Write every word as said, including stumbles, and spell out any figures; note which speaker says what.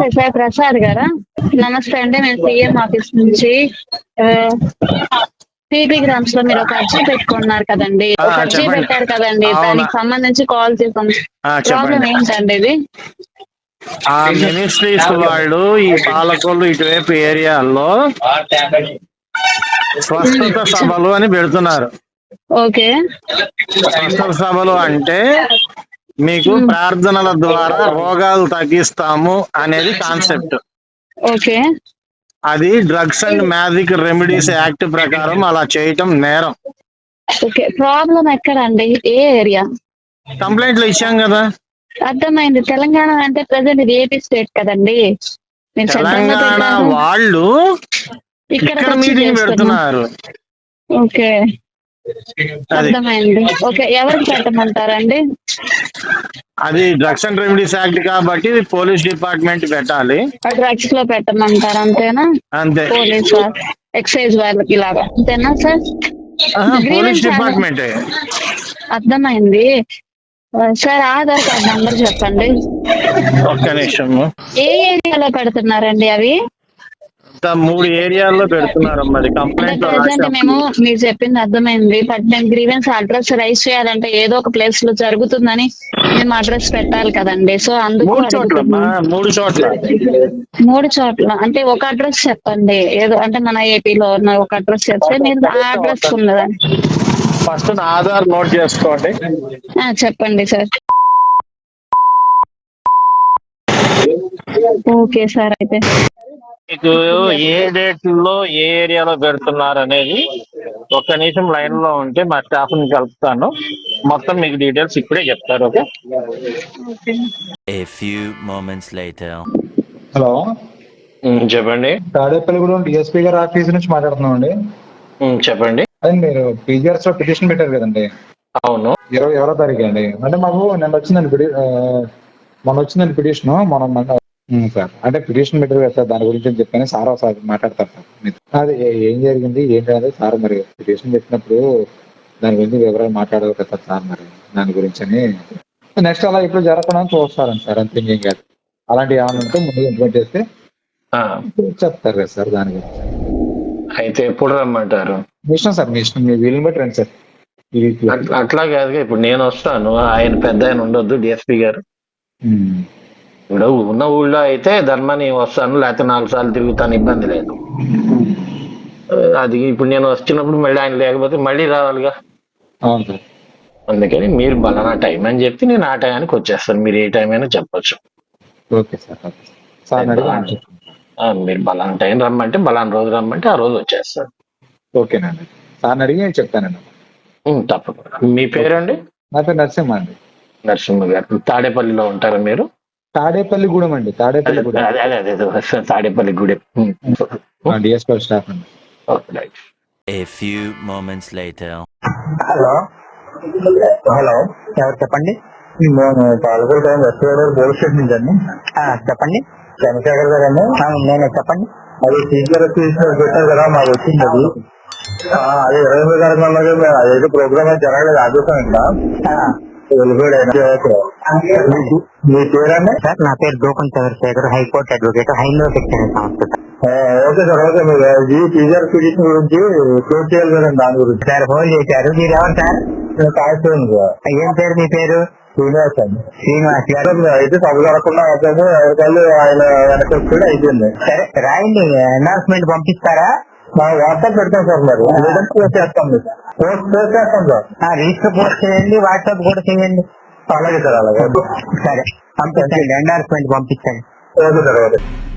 Speaker 1: Sir Prasad గారా? నమస్తే అండి, నేను సీఎం ఆఫీస్ నుంచి. పీపీ గ్రామ్స్ లో మీరు ఒక అర్జీ పెట్టుకున్నారు కదండి,
Speaker 2: ఆ,
Speaker 1: ఒక అర్జీ
Speaker 2: చెప్పండి.
Speaker 1: పెట్టారు కదండి,
Speaker 2: అవునా.
Speaker 1: దానికి సంబంధించి కాల్ చేసాం.
Speaker 2: ఆ,
Speaker 1: ప్రాబ్లం
Speaker 2: చెప్పండి.
Speaker 1: ఏంటండి ఇది?
Speaker 2: ఆ మినిస్ట్రీస్ వాళ్ళు ఈ పాలకొల్లు ఇటువైపు ఏరియాల్లో స్వస్థత సభలు అని పెడుతున్నారు.
Speaker 1: ఓకే.
Speaker 2: స్వస్థత సభలు అంటే మీకు
Speaker 1: మ్మ్.
Speaker 2: ప్రార్థనల ద్వారా రోగాలు తగ్గిస్తాము అనేది కాన్సెప్ట్.
Speaker 1: ఓకే.
Speaker 2: అది drugs and magic remedies act ప్రకారం అలా చేయటం నేరం.
Speaker 1: ఓకే, ప్రాబ్లం ఎక్కడండి, ఏ ఏరియా?
Speaker 2: కంప్లైంట్లు ఇచ్చాం కదా.
Speaker 1: అర్థమైంది. తెలంగాణ అంటే ప్రజెంట్ ఇది ఏపీ స్టేట్ కదండి, మీరు సెంట్రల్ లో
Speaker 2: తెలంగాణ
Speaker 1: పెట్టారు,
Speaker 2: వాళ్ళు
Speaker 1: ఇక్కడికి
Speaker 2: ఇక్కడ
Speaker 1: వచ్చి
Speaker 2: మీటింగ్
Speaker 1: చేస్తున్నాం.
Speaker 2: పెడుతున్నారు.
Speaker 1: ఓకే,
Speaker 2: అది
Speaker 1: అర్థమైంది. ఓకే, ఎవరికి పెట్టమంటారండి?
Speaker 2: అది డ్రగ్స్ అండ్ రెమెడీస్ యాక్ట్ కాబట్టి పోలీస్ డిపార్ట్మెంట్ పెట్టాలి.
Speaker 1: డ్రగ్స్ లో పెట్టమంటారు అంతేనా?
Speaker 2: అంతే.
Speaker 1: పోలీస్ ఎక్సైజ్ వాళ్ళకి ఇలాగా అంతేనా సార్?
Speaker 2: Police
Speaker 1: grievance
Speaker 2: department.
Speaker 1: అర్థమైంది సార్. ఆధార్ కార్డ్ నంబర్ చెప్పండి.
Speaker 2: ఒక్క నిమిషం.
Speaker 1: ఏ ఏరియాలో పెడుతున్నారండి అవి?
Speaker 2: మూడు ఏరియాల్లో పెడుతున్నారు. మరి
Speaker 1: అంటే
Speaker 2: కంప్లైంట్ లో
Speaker 1: ప్రెసెంట్
Speaker 2: రాశాం.
Speaker 1: మేము మీరు చెప్పింది అర్థమైంది, బట్ నేను గ్రీవెన్స్ అడ్రస్ రైజ్ చేయాలంటే ఏదో ఒక ప్లేస్ లో జరుగుతుందని మేము అడ్రస్ పెట్టాలి కదండి. సో అందుకు
Speaker 2: మూడు చోట్ల
Speaker 1: అడుగుతున్నాం.
Speaker 2: మూడు చోట్ల
Speaker 1: మూడు చోట్ల అంటే ఒక అడ్రస్ చెప్పండి, ఏదో అంటే మన ఏపీలో ఉన్న ఒక అడ్రస్ చెప్తే మీరు ఆ అడ్రస్ ఉన్నదని.
Speaker 2: ఫస్ట్ నా ఆధార్ నోట్ చేసుకోండి.
Speaker 1: చెప్పండి సార్. ఓకే సార్, అయితే
Speaker 2: మీకు ఏ డేట్ లో ఏ ఏరియాలో పెడుతున్నారు అనేది ఒక్క నిమిషం లైన్ లో ఉంటే మా స్టాఫ్ ని కలుపుతాను. మొత్తం మీకు డీటెయిల్స్ ఇప్పుడే చెప్తారు. Okay.
Speaker 3: A few moments later.
Speaker 4: Hello,
Speaker 2: చెప్పండి.
Speaker 4: తాడేపల్లిగూడెం డిఎస్పీ గారి ఆఫీస్ నుంచి మాట్లాడుతున్నాం అండి.
Speaker 2: చెప్పండి.
Speaker 4: అదే మీరు పీజీఆర్స్ లో పిటిషన్ పెట్టారు కదండి.
Speaker 2: అవును.
Speaker 4: ఇరవై ఎవరో తారీఖు అండి. అంటే మాకు నిన్న వచ్చిందండి పిటి మొన్న వచ్చిందండి పిటిషన్. మనం సార్ అంటే పిటిషన్ పెట్టారు కదా సార్, దాని గురించి అని చెప్పని సార్ ఒకసారి మాట్లాడతారు సార్ మీతో. అది ఏం జరిగింది ఏంటి అనేది సార్ మరి పిటిషన్ పెట్టినప్పుడు దాని గురించి వివరాలు మాట్లాడాలి కదా సార్, మరి దాని గురించి అని. నెక్స్ట్ అలా ఇప్పుడు జరగకుండా చూస్తారండి సార్, అంతే ఏం కాదు. అలాంటివి ఏమైనా ఉంటే ముందు ఇంప్లిమెంట్ చేస్తే చెప్తారు కదా సార్ దాని గురించి.
Speaker 2: అయితే ఎప్పుడు రమ్మంటారు?
Speaker 4: మీ ఇష్టం సార్, మీ ఇష్టం, మీ వీలుని బట్టి రండి సార్.
Speaker 2: అట్లా కాదుగా, ఇప్పుడు నేను వస్తాను, ఆయన పెద్ద ఆయన ఉండొద్దు డిఎస్పీ గారు. ఇప్పుడు ఉన్న ఊళ్ళో అయితే ధర్మని వస్తాను, లేకపోతే నాలుగు సార్లు తిరుగుతాను, ఇబ్బంది లేదు. అది ఇప్పుడు నేను వచ్చినప్పుడు మళ్ళీ ఆయన లేకపోతే మళ్ళీ రావాలిగా.
Speaker 4: అవును సార్.
Speaker 2: అందుకని మీరు బలానా టైం అని చెప్తే నేను ఆ టైంకి వచ్చేస్తాను. మీరు ఏ టైం అయినా చెప్పొచ్చు.
Speaker 4: Okay sir. Okay sir.
Speaker 2: మీరు బలానా టైం రమ్మంటే బలానా రోజు రమ్మంటే ఆ రోజు వచ్చేస్తాను.
Speaker 4: ఓకేనండి, సార్ని అడిగి నేను చెప్తానండి.
Speaker 2: తప్పకుండా. మీ పేరండి?
Speaker 4: నా పేరు నరసింహ అండి.
Speaker 2: నరసింహ గారు తాడేపల్లిలో ఉంటారా మీరు?
Speaker 4: తాడేపల్లిగూడెం అండి. తాడేపల్లిగూడెం.
Speaker 2: అదే అదే అదే తాడేపల్లిగూడెం.
Speaker 4: డిఎస్పీ స్టాఫ్ అండి.
Speaker 3: A few moments later.
Speaker 5: Hello hello ఎవరు చెప్పండి? నేను పాలకొల్లు టైం వెస్ట్ గోదావరి పోలీస్ స్టేషన్ నుంచి అండి. చెప్పండి. చంద్రశేఖర్ గారు అండి. నేనే, చెప్పండి. అది టీచర్ పెట్టారు కదా, మాకు వచ్చింది అది. అదే ఇరవై ఎనిమిది తారీఖు అదైతే ప్రోగ్రామ్ అయితే జరగలేదు, ఆదేశం ఇక్కడ వెళ్ళిపోయాడు. మీ పేరండి? సార్ నా పేరు గోపన్ చంద్రశేఖర్, హైకోర్టు అడ్వకేట్, హైందవ శిక్షణ సంస్థ. Okay sir. ఓకే, మీరు టీచర్ పిటిషన్ గురించి క్లోజ్ చేయాలి కదండి, దాని గురించి. సార్ ఫోన్ చేశారు. మీరు ఎవరు సార్? ఏం పేరు మీ పేరు? శ్రీనివాస్ అండి. శ్రీనివాస్ గారు అయితే సభ జరగకుండా అవుతుంది, ఎవరికాళ్ళు ఆయన వెనక కూడా అయిపోయింది. సరే రాయండి, అనౌన్స్మెంట్ పంపిస్తారా? వాట్సాప్ పెడతాం సార్, మరి లేదంటే పోస్ట్ చేస్తాం. పోస్ట్ పోస్ట్ చేస్తాం సార్. రిజిస్టర్ పోస్ట్ చేయండి, వాట్సాప్ కూడా చేయండి. అలాగే సార్, అలాగే. సరే పంపించండి, అనౌన్స్మెంట్ పంపించండి. Okay sir. ఓకే.